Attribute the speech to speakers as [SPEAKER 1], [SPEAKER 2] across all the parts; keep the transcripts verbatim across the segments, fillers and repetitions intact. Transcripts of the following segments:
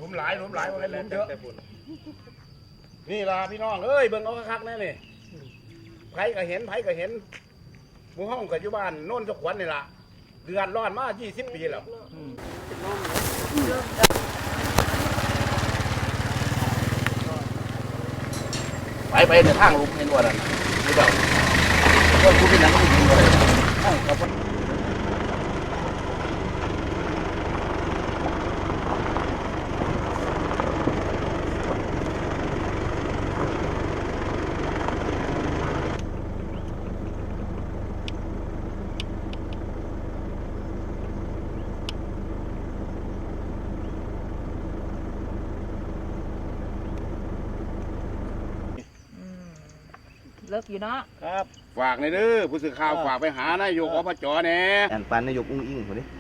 [SPEAKER 1] มหลายหลุมหลายมันหลุมเยอะนี่ล่ะพี่น้องเอ้ยเบิ่งเอาคักๆแน่นี่ไผก็เห็นไผก็เห็นหมู่ห้องกับอยู่บ้านโน่นสขวัญนี่ล่ะเดือดร้อนมายี่สิบปีแล้วไปไปในทางลุมเห็นว่านั่นนี่เปล่าก็คุณเป็นนักลุมเห็นว่าอะไร
[SPEAKER 2] เลิกอยู่เนาะ
[SPEAKER 1] ครับฝากในเด้อผู้สื่อข่าวฝากไปหานายกอบจแน่
[SPEAKER 3] อ่านปันนายกอุ้งอิงคนนี้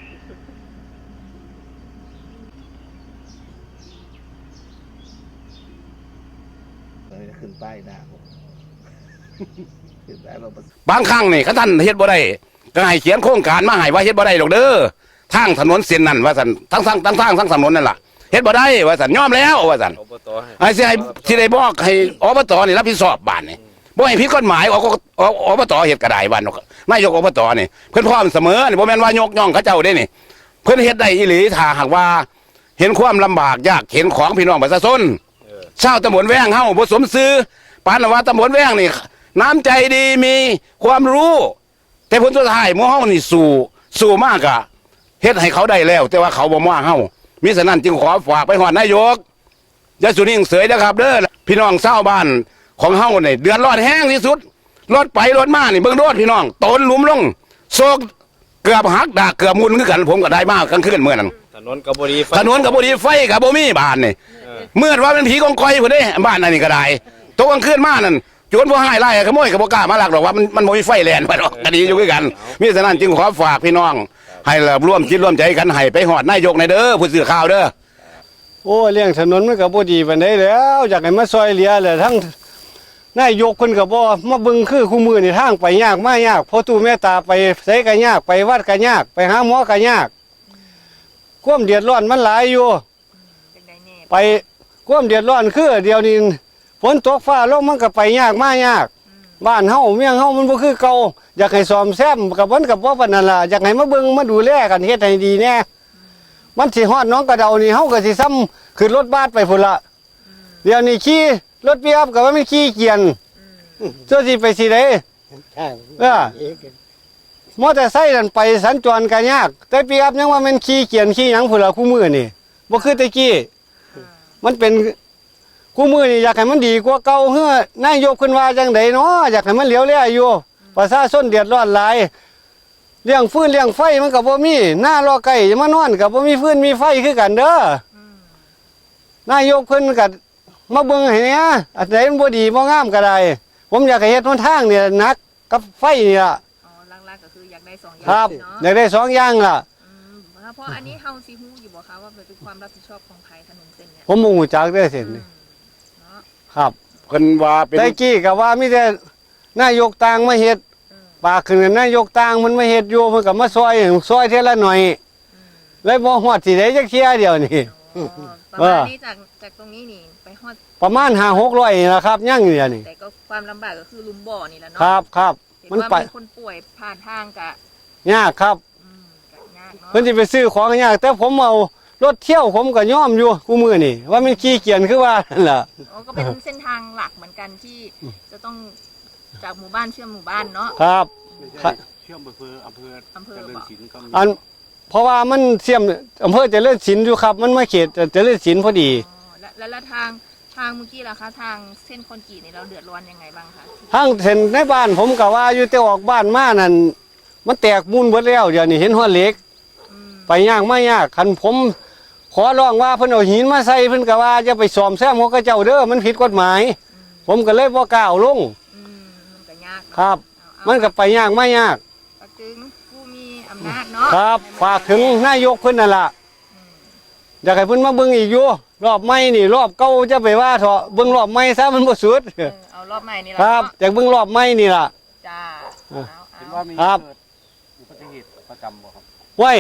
[SPEAKER 3] ขึ้นป้ายหน้าผมขึ้นป้ายเรา
[SPEAKER 1] บางครั้งนี่เขาท่านเฮ็ดบ่ได้ก็ให้เขียนโครงการมาให้ว่าเฮ็ดบ่ได้หรอกเด้อทางถนนเส้นนั้นว่าซั่นทั้งทางทั้งทางทั้งถนนนั่นล่ะเฮ็ดบ่ได้ว่าซั่นยอมแล้วว่าซั่นไอ้สิให้สิได้บอกให้อบตนี่รับผิดชอบบ้านนี่บ่ให้ผิดกฎหมายออกอบตเฮ็ดก็ได้บ้านนายกอบตนี่เพิ่นพร้อมเสมอนี่บ่แม่นว่ายกย่องเขาเจ้าเด้นี่เพิ่นเฮ็ดได้อีหลีถ้าหากว่าเห็นความลำบากยากเห็นของพี่น้องประชาชนชาวตำบลแว้งเฮาบ่สมซื่อปานว่าตำบลแว้งนี่น้ำใจดีมีความรู้แต่ผลสุดท้ายหมู่เฮานี่สู้สู้มากอะเฮ็ดให้เขาได้แล้วแต่ว่าเขาบ่มาเฮามิฉะนั้นจึงขอฝากไปฮอดนายกอย่าสุนิ่งเสยนะครับเด้อพี่น้องชาวบ้านของเฮานี่เดือดร้อนแห้งที่สุดรถไปรถมานี่เบิ่งรถพี่น้องตนหลุมลงโซกเกือบหักดากเกือบมุนคือกันผมก็ได้มากกลางคืนเมื่อนั้น
[SPEAKER 4] ถนนกับบ่ดี
[SPEAKER 1] ถนนกับบ่ดีไฟกับบ่มีบ้านนี่เมื่อว่าเป็นผีกองกอยพุ่นเด้บ้านนั่นนี่ก็ได้ตกกลางคืนมานั่นโจรบ่หายไล่ขโมยก็บ่กล้ามาลักดอกว่ามันมันบ่มีไฟแล่นว่าดอกก็ดีอยู่คือกันมิฉะนั้นจึงขอฝากพี่น้องให้ร่วมคิดร่วมใจกันให้ไปฮอดนายกในเด้อผู้สื่อข่าวเด้อ
[SPEAKER 5] โอ้เรื่องถนนมันก็บ่ดีปานใดแล้วอยากให้มาซอยเหลือแหละทั้งนายกเพิ่นก็บ่มาเบิ่งคือคู่มือนี่ทางไปยากมายากพอตู่แม่ตาไปไสก็ยากไปวัดก็ยากไปหาหมอก็ยากความเดือดร้อนมันหลายอยู่ไปความเดือดร้อนคือเดียวนี้ฝนตกฟ้าลงมันก็ไปยากมายากบ้านเฮาเมืองเฮามันบ่คือเก่าอยากให้ซ่อมแซมกับมันก็บ่ปานนั้นล่ะอยากให้มาเบิ่งมาดูแลกันเฮ็ดให้ดีแน่มันสิฮอดน้องกระเดานี่เฮาก็สิซ้ำขึ้นรถบัสไปพุ่นละเดี๋ยวนี้ขี่รถปิกอัพก็ว่ามันขี่เกียนตัวสิไปสิได้เออมอเตอร์ไซค์นั่นไปสัญจรก็ยากแต่ปิกอัพยังว่ามันขี่เกียนขี่หยังพุ่นละคู่มือนี่บ่คือแต่กี้มันเป็นคู่มือนี่อยากให้มันดีกว่าเก่าเฮ้อนายกขึ้นว่าจังไดเนาะอยากให้มันเหลียวแลอยู่ประชาชนเดือดร้อนหลายเลี้ยงฟืนเลี้ยงไฟมันก็บ่มีหน้ารอไก่มานอนก็บ่มีฟืนมีไฟคือกันเด้อนายกเพิ่นก็มาเบิ่งให้เนี่ยอันใดมันบ่ดีบ่งามก็ได้ผมอยากให้เฮ็ดหนทางเนี่ยหนักกับไฟนี่ล่ะ
[SPEAKER 2] อ๋อหลักๆก็คืออยากได้สองอย่าง
[SPEAKER 5] ครับอยากได้สองอย่างล่ะ
[SPEAKER 2] เพราะอันนี้เฮาสิฮู้อยู่บ่คะว่าเป็นความรับผิดชอบของใครถนนเส้นเนี่ย
[SPEAKER 5] ผมบ่ฮู้จักเด้อเส้นนี้ครับ
[SPEAKER 1] เพิ่นว่าเป็น
[SPEAKER 5] แต่กี้ก็ว่ามีแต่นายกต่างมาเฮ็ดปากขึ้นนายกต่างมันมาเฮ็ดอยู่มันก็มาซอยซอยเท่าละหน่อยเลยบ่ฮอดสิได้จักเที่ยเดียวนี่
[SPEAKER 2] ประมาณนี้จากจากตรงนี้นี่ไปฮอด
[SPEAKER 5] ประมาณห้าหกร้อยนี่ล่ะครับยังอยู่นี่
[SPEAKER 2] แต่ก็ความลำบากก็คือลุมบ่อนี่แหละเนาะ
[SPEAKER 5] ครับครับ
[SPEAKER 2] มันไปคนป่วยผ่านทางกะ
[SPEAKER 5] ยากครับเพิ่นสิไปซื้อของยากแต่ผมเอารถเที่ยวผมก็ยอมอยู่กูมื้อนี่ว่ามันขี้เกียจคือว่านั่นล่ะ
[SPEAKER 2] อ๋อก็เป็นเส้นทางหลักเหมือนกันที่จะต้องจากหมู่บ้านเชื่อมหมู่บ้านเนาะ
[SPEAKER 5] ครับ
[SPEAKER 1] เชื่อมอำเภออำเภอ
[SPEAKER 2] อำเภอเจริญศิลป์
[SPEAKER 5] ก็อันเพราะว่ามันเชื่อมอำเภอเจริญศิลป์อยู่ครับมันมาเขตเจริญศิลป์พอดี
[SPEAKER 2] แล้วแล้วทางทางเมื่อกี้ล่ะคะทางเส้นคอนกรีตนี่เราเดือดร้อนยังไงบ้างคะ
[SPEAKER 5] ทางเส้นในบ้านผมก็ว่าอยู่แต่ออกบ้านมานั่นมันแตกมูลหมดแล้วเดี๋ยวนี้เห็นหัวเหล็กไปยากไม่ยากคันผมขอร้องว่าเพิ่นเอาหินมาใส่เพิ่นก็ว่าจะไปซ่อมแซมของกระเจ้าเด้อมันผิดกฎหมายผมก็เลยบ่กล้าเอาลงครับมันก็ไปยากไม่ยาก
[SPEAKER 2] ถึงผู้มีอำนาจเนาะ
[SPEAKER 5] ครับฝากถึงนายกเพิ่นนั่นล่ะอยากให้เพิ่นมาเบิ่งอีกอยู่รอบใหม่นี่รอบเก่าจะไปว่าเถาะเบิ่งรอบใหม่ซะมันบ่สุด
[SPEAKER 2] เอารอบใหม่นี่ล่ะ
[SPEAKER 5] ครับอยากเบิ่งรอบใหม่นี่ล่ะ
[SPEAKER 2] จ้า
[SPEAKER 5] เห็นว่ามีเกิดอุบัติเหตุประจำบ่ครับไว้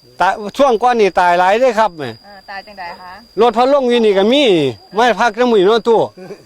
[SPEAKER 5] ตายช่วงก่อนนี่ตายหลายเด้อครับแหม่
[SPEAKER 2] เออตายจังใดคะ
[SPEAKER 5] รถพะลงอยู่นี่ก็มีไม่พักน้ำมือเนาะตู้